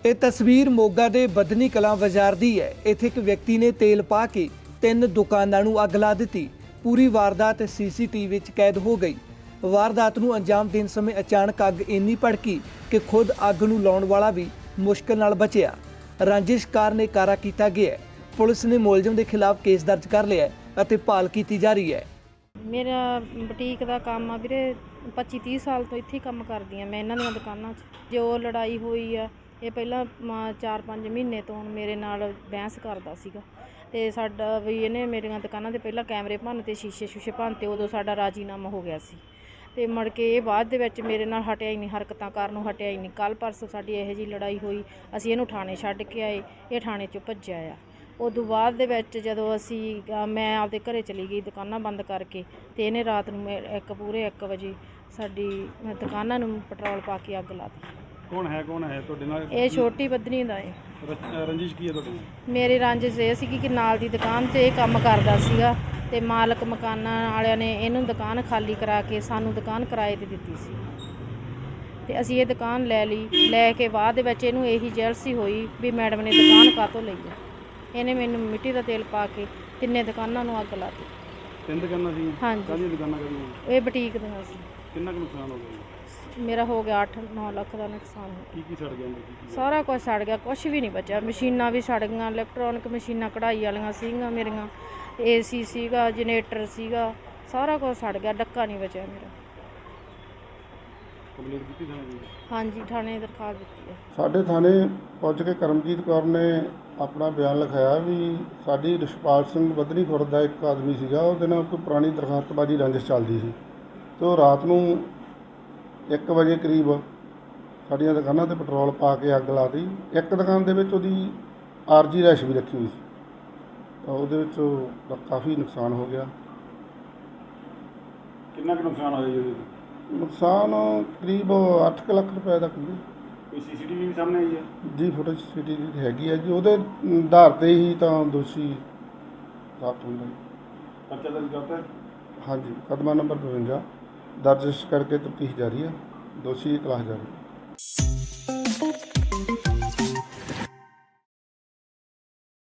ਇਹ ਤਸਵੀਰ ਮੋਗਾ ਦੇ ਬਦਨੀ ਕਲਾਂ ਬਾਜ਼ਾਰ ਦੀ ਹੈ। ਇੱਥੇ ਇੱਕ ਵਿਅਕਤੀ ਨੇ ਤੇਲ ਪਾ ਕੇ 3 ਦੁਕਾਨਾਂ ਨੂੰ ਅੱਗ ਲਾ ਦਿੱਤੀ। ਪੂਰੀ ਵਾਰਦਾਤ ਸੀਸੀਟੀਵੀ ਵਿੱਚ ਕੈਦ ਹੋ ਗਈ। ਵਾਰਦਾਤ ਨੂੰ ਅੰਜਾਮ ਦੇਣ ਸਮੇਂ ਅਚਾਨਕ ਅੱਗ ਇੰਨੀ ਭੜਕੀ ਕਿ ਖੁਦ ਅੱਗ ਨੂੰ ਲਾਉਣ ਵਾਲਾ ਵੀ ਮੁਸ਼ਕਲ ਨਾਲ ਬਚਿਆ। ਰੰਜਿਸ਼ ਕਾਰਨ ਕਾਰਾ ਕੀਤਾ ਗਿਆ ਹੈ। ਪੁਲਿਸ ਨੇ ਮੁਲਜ਼ਮ ਦੇ ਖਿਲਾਫ ਕੇਸ ਦਰਜ ਕਰ ਲਿਆ ਹੈ ਅਤੇ ਭਾਲ ਕੀਤੀ ਜਾ ਰਹੀ ਹੈ। ਮੇਰਾ ਬੁਟੀਕ ਦਾ ਕੰਮ ਆ ਵੀਰੇ, 25-30 ਸਾਲ ਤੋਂ ਇੱਥੇ ਹੀ ਕੰਮ ਕਰਦੀ ਆ ਮੈਂ ਇਹਨਾਂ ਦੀਆਂ ਦੁਕਾਨਾਂ 'ਚ। ਜੋ ਲੜਾਈ ਹੋਈ ਆ ਇਹ ਪਹਿਲਾਂ 4-5 ਮਹੀਨੇ ਤੋਂ ਮੇਰੇ ਨਾਲ ਬਹਿਸ ਕਰਦਾ ਸੀਗਾ ਅਤੇ ਸਾਡਾ ਵੀ ਇਹਨੇ ਮੇਰੀਆਂ ਦੁਕਾਨਾਂ 'ਤੇ ਪਹਿਲਾਂ ਕੈਮਰੇ ਭੰਨ ਤੇ ਸ਼ੀਸ਼ੇ ਭੰਨ ਤੇ ਉਦੋਂ ਸਾਡਾ ਰਾਜੀਨਾਮਾ ਹੋ ਗਿਆ ਸੀ ਅਤੇ ਮੁੜ ਕੇ ਇਹ ਬਾਅਦ ਦੇ ਵਿੱਚ ਮੇਰੇ ਨਾਲ ਹਟਿਆ ਹੀ ਨਹੀਂ, ਹਰਕਤਾਂ ਕਰਨ ਨੂੰ ਹਟਿਆ ਹੀ ਨਹੀਂ। ਕੱਲ੍ਹ ਪਰਸੋਂ ਸਾਡੀ ਇਹੋ ਜਿਹੀ ਲੜਾਈ ਹੋਈ, ਅਸੀਂ ਇਹਨੂੰ ਥਾਣੇ ਛੱਡ ਕੇ ਆਏ, ਇਹ ਥਾਣੇ 'ਚੋਂ ਭੱਜਿਆ ਆ। ਉਦੋਂ ਬਾਅਦ ਦੇ ਵਿੱਚ ਜਦੋਂ ਮੈਂ ਆਪਦੇ ਘਰੇ ਚਲੀ ਗਈ ਦੁਕਾਨਾਂ ਬੰਦ ਕਰਕੇ, ਅਤੇ ਇਹਨੇ ਰਾਤ ਨੂੰ ਪੂਰੇ 1 ਵਜੇ ਸਾਡੀ ਦੁਕਾਨਾਂ ਨੂੰ ਪੈਟਰੋਲ ਪਾ ਕੇ ਅੱਗ ਲਾ ਦਿੱਤੀ। ਕੌਣ ਹੈ ਤੁਹਾਡੇ ਨਾਲ? ਇਹ ਛੋਟੀ ਬਦਨੀ ਦਾ ਹੈ। ਰੰਜਿਸ਼ ਕੀ ਹੈ ਤੁਹਾਡੀ? ਮੇਰੀ ਰੰਜਿਸ਼ ਇਹ ਸੀਗੀ ਕਿ ਨਾਲ ਦੀ ਦੁਕਾਨ 'ਤੇ ਇਹ ਕੰਮ ਕਰਦਾ ਸੀਗਾ ਅਤੇ ਮਾਲਕ ਮਕਾਨਾਂ ਵਾਲਿਆਂ ਨੇ ਇਹਨੂੰ ਦੁਕਾਨ ਖਾਲੀ ਕਰਾ ਕੇ ਸਾਨੂੰ ਦੁਕਾਨ ਕਿਰਾਏ 'ਤੇ ਦਿੱਤੀ ਸੀ ਅਤੇ ਅਸੀਂ ਇਹ ਦੁਕਾਨ ਲੈ ਲਈ। ਲੈ ਕੇ ਬਾਅਦ ਦੇ ਵਿੱਚ ਇਹਨੂੰ ਇਹੀ ਜੈਲਸੀ ਹੋਈ ਵੀ ਮੈਡਮ ਨੇ ਦੁਕਾਨ ਕਾਹਤੋਂ ਲਈ ਹੈ। ਇਹਨੇ ਮੈਨੂੰ ਮਿੱਟੀ ਦਾ ਤੇਲ ਪਾ ਕੇ 3 ਦੁਕਾਨਾਂ ਨੂੰ ਅੱਗ ਲਾ ਦਿੱਤੀ। 3 ਦੁਕਾਨਾਂ ਸੀ? ਹਾਂਜੀ। ਕਾਹਦੀਆਂ ਦੁਕਾਨਾਂ ਕਰੀਆਂ? ਇਹ ਬੁਟੀਕ ਦੀਆਂ ਸੀ। ਕਿੰਨਾ ਕੁ ਨੁਕਸਾਨ ਹੋ ਗਿਆ? ਮੇਰਾ ਹੋ ਗਿਆ 8-9 ਲੱਖ ਦਾ ਨੁਕਸਾਨ ਹੋ ਗਿਆ। ਕੀ ਸੜ ਗਿਆ ਅੰਦਰ? ਸਾਰਾ ਕੁਝ ਸੜ ਗਿਆ, ਕੁਛ ਵੀ ਨਹੀਂ ਬਚਿਆ। ਮਸ਼ੀਨਾਂ ਵੀ ਸੜ ਗਈਆਂ, ਇਲੈਕਟ੍ਰੋਨਿਕ ਮਸ਼ੀਨਾਂ ਕਢਾਈ ਵਾਲੀਆਂ ਸੀਗੀਆਂ ਮੇਰੀਆਂ, AC ਸੀਗਾ, ਜਨਰੇਟਰ ਸੀਗਾ, ਸਾਰਾ ਕੁਝ ਸੜ ਗਿਆ, ਡੱਕਾ ਨਹੀਂ ਬਚਿਆ ਮੇਰਾ। ਕੰਪਲੇਂਟ ਕੀਤੀ ਥਾਣੇ ਦੀ? ਹਾਂਜੀ, ਥਾਣੇ ਦਰਖਾਸਤ ਦਿੱਤੀ ਹੈ। ਸਾਡੇ ਥਾਣੇ ਪਹੁੰਚ ਕੇ ਕਰਮਜੀਤ ਕੌਰ ਨੇ ਆਪਣਾ ਬਿਆਨ ਲਿਖਾਇਆ ਵੀ ਸਾਡੀ ਰਿਸ਼ਪਾਲ ਸਿੰਘ ਬਦਨੀ ਖੁਰਦ ਦਾ ਇੱਕ ਆਦਮੀ ਸੀਗਾ, ਉਹਦੇ ਨਾਲ ਕੋਈ ਪੁਰਾਣੀ ਦਰਖਾਸਤਬਾਜ਼ੀ ਰੰਜਿਸ਼ ਚੱਲਦੀ ਸੀ ਅਤੇ ਉਹ ਰਾਤ ਨੂੰ 1 ਵਜੇ ਕਰੀਬ ਸਾਡੀਆਂ ਦੁਕਾਨਾਂ 'ਤੇ ਪੈਟਰੋਲ ਪਾ ਕੇ ਅੱਗ ਲਾ ਦਿੱਤੀ। ਇੱਕ ਦੁਕਾਨ ਦੇ ਵਿੱਚ ਉਹਦੀ ਆਰਜੀ ਰੈਸ਼ ਵੀ ਰੱਖੀ ਹੋਈ ਸੀ ਤਾਂ ਉਹਦੇ ਵਿੱਚ ਉਹਦਾ ਕਾਫੀ ਨੁਕਸਾਨ ਹੋ ਗਿਆ। ਕਿੰਨਾ ਕੁ ਨੁਕਸਾਨ ਹੋਇਆ ਜੀ? ਨੁਕਸਾਨ ਕਰੀਬ 8 ਲੱਖ ਰੁਪਏ ਦਾ ਕਰੀਬ। ਕੋਈ CCTV ਵੀ ਸਾਹਮਣੇ ਆਈ ਹੈ? ਜੀ ਫੁਟੇਜ CCTV ਹੈਗੀ ਹੈ ਜੀ, ਉਹਦੇ ਆਧਾਰ 'ਤੇ ਹੀ ਤਾਂ ਦੋਸ਼ੀ ਸਾਬਤ ਹੁੰਦਾ ਜੀ। ਪਰਚਾ ਦਰਜ ਕਰਤਾ? ਹਾਂਜੀ, ਮੁਕੱਦਮਾ ਨੰਬਰ 52 ਦਰਜ ਕਰਕੇ ਤਫਤੀਸ਼ ਜਾਰੀ ਹੈ, ਦੋਸ਼ੀ ਦੀ ਤਲਾਸ਼ ਜਾਰੀ ਹੈ।